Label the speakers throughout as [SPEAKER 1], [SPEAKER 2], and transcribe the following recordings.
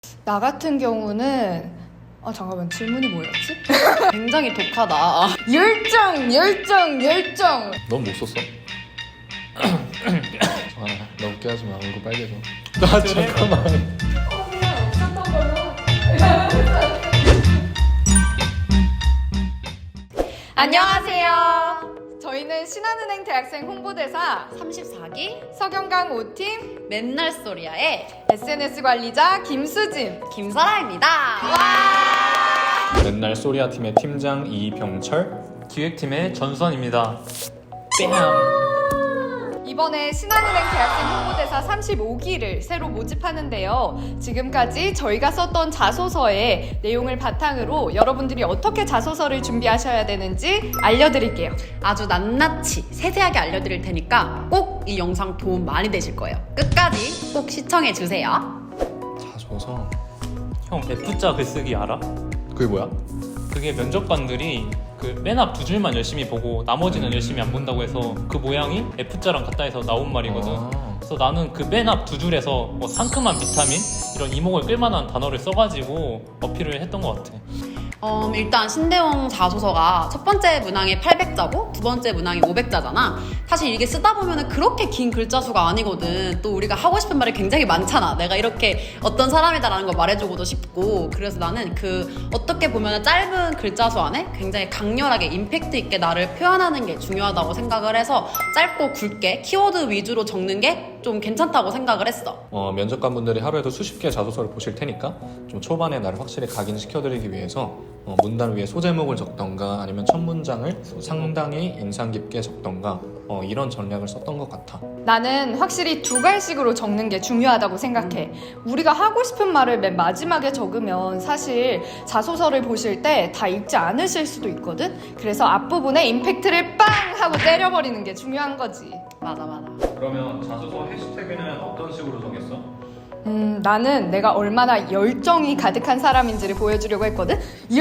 [SPEAKER 1] 나 같은 경우는 잠깐만 질문이 뭐였지?
[SPEAKER 2] 굉장히 독하다.
[SPEAKER 1] 열정.
[SPEAKER 3] 넌 못 썼어? 너 웃게 하지 마. 얼굴 빨개져. 나 잠깐만.
[SPEAKER 1] 안녕하세요. 저희는 신한은행 대학생 홍보대사
[SPEAKER 2] 34기
[SPEAKER 1] 서경강 5팀
[SPEAKER 2] 맨날 소리야의
[SPEAKER 1] SNS 관리자 김수진.
[SPEAKER 2] 김설아입니다.
[SPEAKER 3] 맨날 소리아 팀의 팀장 이병철.
[SPEAKER 4] 기획팀의 전수환입니다. 뺨!
[SPEAKER 1] 이번에 신한은행 대학생 홍보대사 35기를 새로 모집하는데요. 지금까지 저희가 썼던 자소서의 내용을 바탕으로 여러분들이 어떻게 자소서를 준비하셔야 되는지 알려드릴게요.
[SPEAKER 2] 아주 낱낱이 세세하게 알려드릴 테니까 꼭 이 영상 도움 많이 되실 거예요. 끝까지 꼭 시청해주세요.
[SPEAKER 3] 자소서.
[SPEAKER 4] 형 F자 글쓰기 알아?
[SPEAKER 3] 그게 뭐야?
[SPEAKER 4] 그게 면접관들이 그 맨 앞 두 줄만 열심히 보고 나머지는 열심히 안 본다고 해서 그 모양이 F자랑 같다 해서 나온 말이거든. 그래서 나는 그 맨 앞 두 줄에서 뭐 상큼한 비타민 이런 이목을 끌만한 단어를 써가지고 어필을 했던 것 같아.
[SPEAKER 2] 일단 신대용 자소서가 첫 번째 문항이 800자고 두 번째 문항이 500자잖아. 사실 이게 쓰다 보면 그렇게 긴 글자 수가 아니거든. 또 우리가 하고 싶은 말이 굉장히 많잖아. 내가 이렇게 어떤 사람이다라는 걸 말해주고도 싶고. 그래서 나는 그 어떻게 보면 짧은 글자 수 안에 굉장히 강렬하게 임팩트 있게 나를 표현하는 게 중요하다고 생각을 해서 짧고 굵게 키워드 위주로 적는 게 좀 괜찮다고 생각을 했어.
[SPEAKER 3] 면접관분들이 하루에도 수십 개의 자소서를 보실 테니까 좀 초반에 나를 확실히 각인시켜드리기 위해서 문단 위에 소제목을 적던가 아니면 첫 문장을 상당히 인상 깊게 적던가 이런 전략을 썼던 것 같아.
[SPEAKER 1] 나는 확실히 두 갈식으로 적는 게 중요하다고 생각해. 우리가 하고 싶은 말을 맨 마지막에 적으면 사실 자소서를 보실 때 다 읽지 않으실 수도 있거든? 그래서 앞부분에 임팩트를 빵! 하고 때려버리는 게 중요한 거지.
[SPEAKER 2] 맞아.
[SPEAKER 5] 그러면 자소서 해시태그는 어떤 식으로 정했어?
[SPEAKER 1] 나는 내가 얼마나 열정이 가득한 사람인지를 보여주려고 했거든?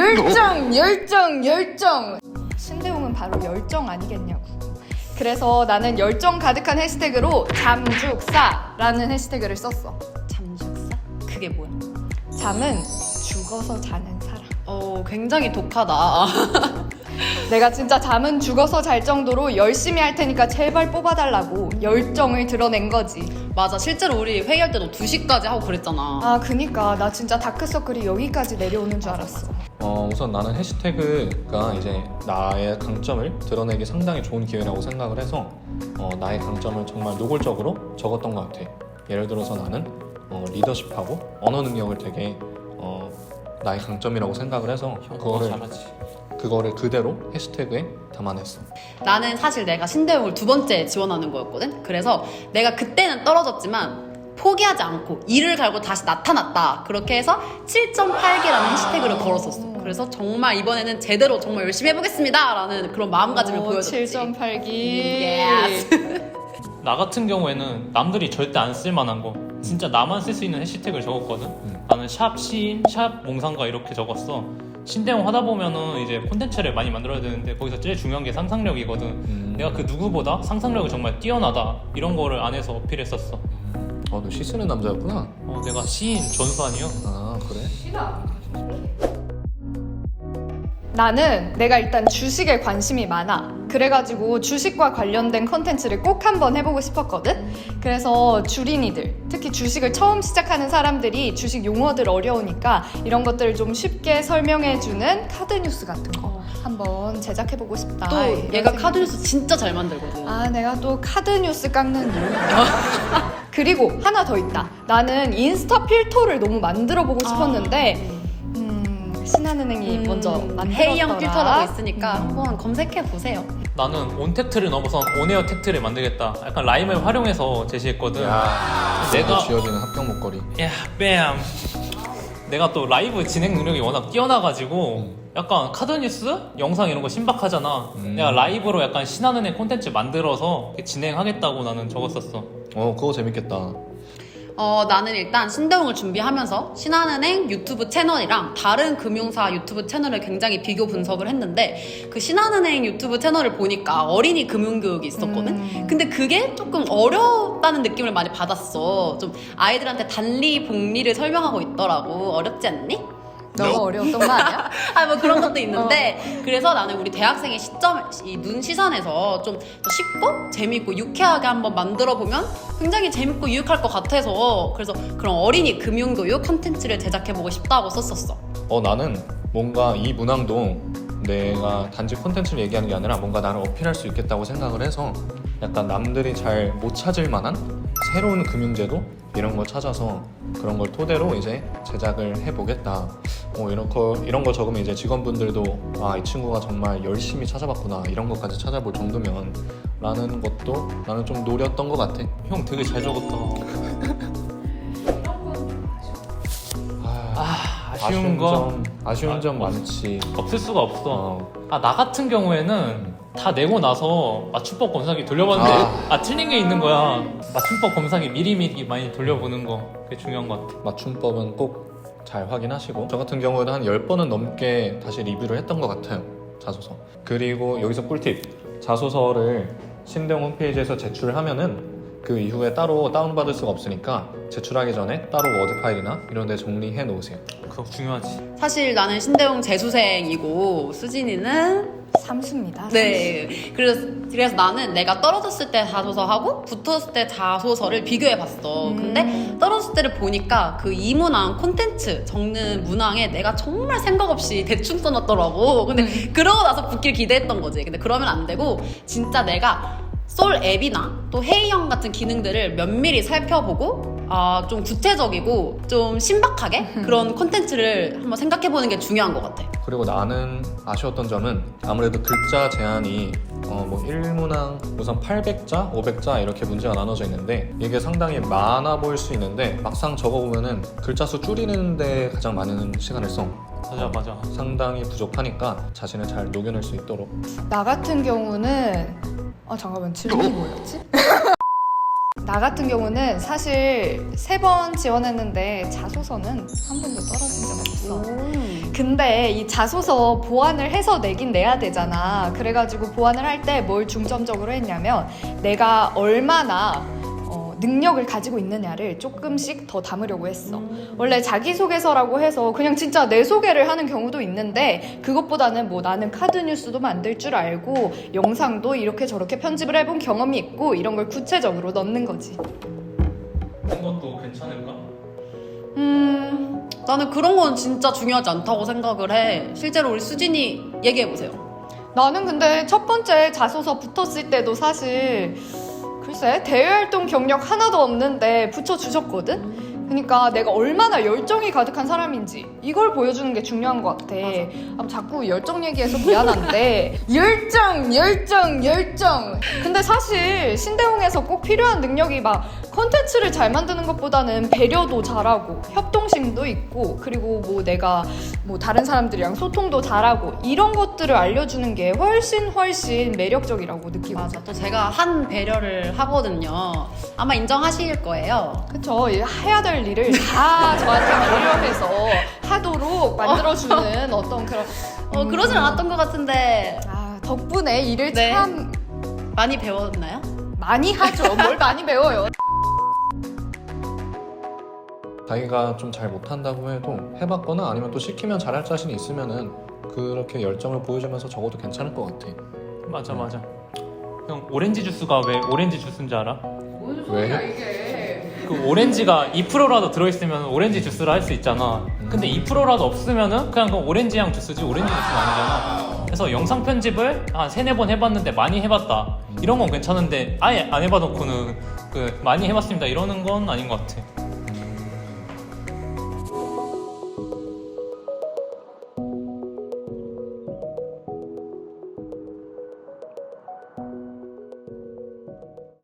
[SPEAKER 1] 열정! 신대웅은 바로 열정 아니겠냐고. 그래서 나는 열정 가득한 해시태그로 잠죽사라는 해시태그를 썼어.
[SPEAKER 2] 잠식사? 그게 뭐야?
[SPEAKER 1] 잠은 죽어서 자는 사람.
[SPEAKER 2] 굉장히 독하다.
[SPEAKER 1] 내가 진짜 잠은 죽어서 잘 정도로 열심히 할 테니까 제발 뽑아달라고 열정을 드러낸 거지.
[SPEAKER 2] 맞아. 실제로 우리 회의할 때도 2시까지 하고 그랬잖아.
[SPEAKER 1] 그니까 나 진짜 다크서클이 여기까지 내려오는 줄 알았어.
[SPEAKER 3] 우선 나는 해시태그가 이제 나의 강점을 드러내기 상당히 좋은 기회라고 생각을 해서 나의 강점을 정말 노골적으로 적었던 것 같아. 예를 들어서 나는 리더십하고 언어 능력을 되게 나의 강점이라고 생각을 해서 그거를 그대로 해시태그에 담아냈어.
[SPEAKER 2] 나는 사실 내가 신대용을 2번째 지원하는 거였거든. 그래서 내가 그때는 떨어졌지만 포기하지 않고 이를 갈고 다시 나타났다. 그렇게 해서 7.8기라는 해시태그를 걸었었어. 그래서 정말 이번에는 제대로 정말 열심히 해보겠습니다 라는 그런 마음가짐을 보여줬지.
[SPEAKER 1] 7.8기.
[SPEAKER 4] 나 같은 경우에는 남들이 절대 안 쓸만한 거 진짜 나만 쓸 수 있는 해시태그를 적었거든. 나는 샵 시인, 샵 몽상가 이렇게 적었어. 신대용 하다 보면은 이제 콘텐츠를 많이 만들어야 되는데 거기서 제일 중요한 게 상상력이거든. 내가 그 누구보다 상상력이 정말 뛰어나다 이런 거를 안에서 어필했었어.
[SPEAKER 3] 너 시 쓰는 남자였구나.
[SPEAKER 4] 내가 시인 전수환이요.
[SPEAKER 3] 그래?
[SPEAKER 1] 나는 내가 일단 주식에 관심이 많아. 그래가지고 주식과 관련된 컨텐츠를 꼭 한번 해보고 싶었거든? 그래서 주린이들, 특히 주식을 처음 시작하는 사람들이 주식 용어들 어려우니까 이런 것들을 좀 쉽게 설명해주는 카드뉴스 같은 거 한번 제작해보고 싶다.
[SPEAKER 2] 또
[SPEAKER 1] 이런
[SPEAKER 2] 얘가
[SPEAKER 1] 생각이
[SPEAKER 2] 카드뉴스 진짜 잘 만들거든.
[SPEAKER 1] 내가 또 카드뉴스 깎는 일. 그리고 하나 더 있다. 나는 인스타 필터를 너무 만들어보고 싶었는데 신한은행이 먼저 만들었더라.
[SPEAKER 2] 회의형 필터라고 있으니까 한번 검색해보세요.
[SPEAKER 4] 나는 온택트를 넘어선 온에어 택트를 만들겠다. 약간 라임을 활용해서 제시했거든.
[SPEAKER 3] 내가 쥐어지는 합격 목걸이.
[SPEAKER 4] 야, 뺨. 내가 또 라이브 진행 능력이 워낙 뛰어나가지고 약간 카드뉴스? 영상 이런 거 신박하잖아. 내가 라이브로 약간 신한은행 콘텐츠 만들어서 진행하겠다고 나는 적었었어.
[SPEAKER 3] 그거 재밌겠다.
[SPEAKER 2] 나는 일단 신대용을 준비하면서 신한은행 유튜브 채널이랑 다른 금융사 유튜브 채널을 굉장히 비교 분석을 했는데 그 신한은행 유튜브 채널을 보니까 어린이 금융교육이 있었거든? 근데 그게 조금 어렵다는 느낌을 많이 받았어. 좀 아이들한테 단리, 복리를 설명하고 있더라고. 어렵지 않니?
[SPEAKER 1] 너가 어려웠던 거 아니야?
[SPEAKER 2] 뭐 그런 것도 있는데 그래서 나는 우리 대학생의 시점, 이 눈 시선에서 좀 더 쉽고 재밌고 유쾌하게 한번 만들어 보면 굉장히 재밌고 유익할 것 같아서 그래서 그런 어린이 금융교육 컨텐츠를 제작해보고 싶다고 썼었어.
[SPEAKER 3] 나는 뭔가 이 문항도 내가 단지 콘텐츠를 얘기하는 게 아니라 뭔가 나를 어필할 수 있겠다고 생각을 해서 약간 남들이 잘 못 찾을 만한 새로운 금융제도 이런 걸 찾아서 그런 걸 토대로 이제 제작을 해보겠다. 이런 거 적으면 이제 직원분들도 이 친구가 정말 열심히 찾아봤구나 이런 것까지 찾아볼 정도면 라는 것도 나는 좀 노렸던 것 같아.
[SPEAKER 4] 형 되게 잘 적었다.
[SPEAKER 3] 아쉬운 점 많지.
[SPEAKER 4] 없을 수가 없어. 나 같은 경우에는 다 내고 나서 맞춤법 검사기 돌려봤는데 틀린 게 있는 거야. 맞춤법 검사기 미리미리 많이 돌려보는 거 그게 중요한 것 같아.
[SPEAKER 3] 맞춤법은 꼭 잘 확인하시고 저 같은 경우에는 한 10번은 넘게 다시 리뷰를 했던 것 같아요. 자소서. 그리고 여기서 꿀팁. 자소서를 신대용 홈페이지에서 제출을 하면은 그 이후에 따로 다운받을 수가 없으니까 제출하기 전에 따로 워드 파일이나 이런 데 정리해 놓으세요.
[SPEAKER 4] 그거 중요하지.
[SPEAKER 2] 사실 나는 신대용 재수생이고 수진이는
[SPEAKER 1] 삼수입니다.
[SPEAKER 2] 네. 그래서 나는 내가 떨어졌을 때 자소서하고 붙었을 때 자소서를 비교해봤어. 근데 떨어졌을 때를 보니까 그 이문항 콘텐츠 적는 문항에 내가 정말 생각 없이 대충 써놨더라고. 근데 그러고 나서 붙길 기대했던 거지. 근데 그러면 안 되고 진짜 내가 솔 앱이나 또 회의형 같은 기능들을 면밀히 살펴보고 좀 구체적이고 좀 신박하게 그런 콘텐츠를 한번 생각해보는 게 중요한 것 같아.
[SPEAKER 3] 그리고 나는 아쉬웠던 점은 아무래도 글자 제한이 뭐 1문항 우선 800자, 500자 이렇게 문제가 나눠져 있는데 이게 상당히 많아 보일 수 있는데 막상 적어보면은 글자 수 줄이는 데 가장 많은 시간을 써.
[SPEAKER 4] 맞아.
[SPEAKER 3] 상당히 부족하니까 자신을 잘 녹여낼 수 있도록.
[SPEAKER 1] 나 같은 경우는 잠깐만 질문이 뭐였지? 나 같은 경우는 사실 3번 지원했는데 자소서는 한 번도 떨어진 적 없어. 근데 이 자소서 보완을 해서 내긴 내야 되잖아. 그래가지고 보완을 할 때 뭘 중점적으로 했냐면 내가 얼마나 능력을 가지고 있느냐를 조금씩 더 담으려고 했어. 원래 자기소개서라고 해서 그냥 진짜 내 소개를 하는 경우도 있는데 그것보다는 뭐 나는 카드 뉴스도 만들 줄 알고 영상도 이렇게 저렇게 편집을 해본 경험이 있고 이런 걸 구체적으로 넣는 거지.
[SPEAKER 4] 그런 것도 괜찮을까?
[SPEAKER 2] 나는 그런 건 진짜 중요하지 않다고 생각을 해. 실제로 우리 수진이 얘기해보세요.
[SPEAKER 1] 나는 근데 첫 번째 자소서 붙었을 때도 사실 글쎄 대외활동 경력 하나도 없는데 붙여주셨거든? 그러니까 내가 얼마나 열정이 가득한 사람인지 이걸 보여주는 게 중요한 것 같아. 자꾸 열정 얘기해서 미안한데 열정. 근데 사실 신대용에서 꼭 필요한 능력이 막 콘텐츠를 잘 만드는 것보다는 배려도 잘하고 협동심도 있고 그리고 뭐 내가 뭐 다른 사람들이랑 소통도 잘하고 이런 것들을 알려주는 게 훨씬 매력적이라고 느끼고.
[SPEAKER 2] 맞아. 또 제가 한 배려를 하거든요. 아마 인정하실 거예요.
[SPEAKER 1] 그쵸. 해야 될 일을 다 저한테 배려해서 하도록 만들어주는 어떤 그런
[SPEAKER 2] 그러진 않았던 것 같은데
[SPEAKER 1] 덕분에 일을
[SPEAKER 2] 네.
[SPEAKER 1] 참
[SPEAKER 2] 많이 배웠나요?
[SPEAKER 1] 많이 하죠. 뭘 많이 배워요.
[SPEAKER 3] 자기가 좀 잘 못한다고 해도 해봤거나 아니면 또 시키면 잘할 자신이 있으면은 그렇게 열정을 보여주면서 적어도 괜찮을 것 같아.
[SPEAKER 4] 맞아. 형 오렌지 주스가 왜 오렌지 주스인지 알아?
[SPEAKER 3] 왜?
[SPEAKER 4] 그 오렌지가 2%라도 들어있으면 오렌지 주스를 할 수 있잖아. 근데 2%라도 없으면은 그냥 그 오렌지 향 주스지 오렌지 주스가 아니잖아. 그래서 영상 편집을 한 3-4번 해봤는데 많이 해봤다 이런 건 괜찮은데 아예 안 해봐놓고는 많이 해봤습니다 이러는 건 아닌 것 같아.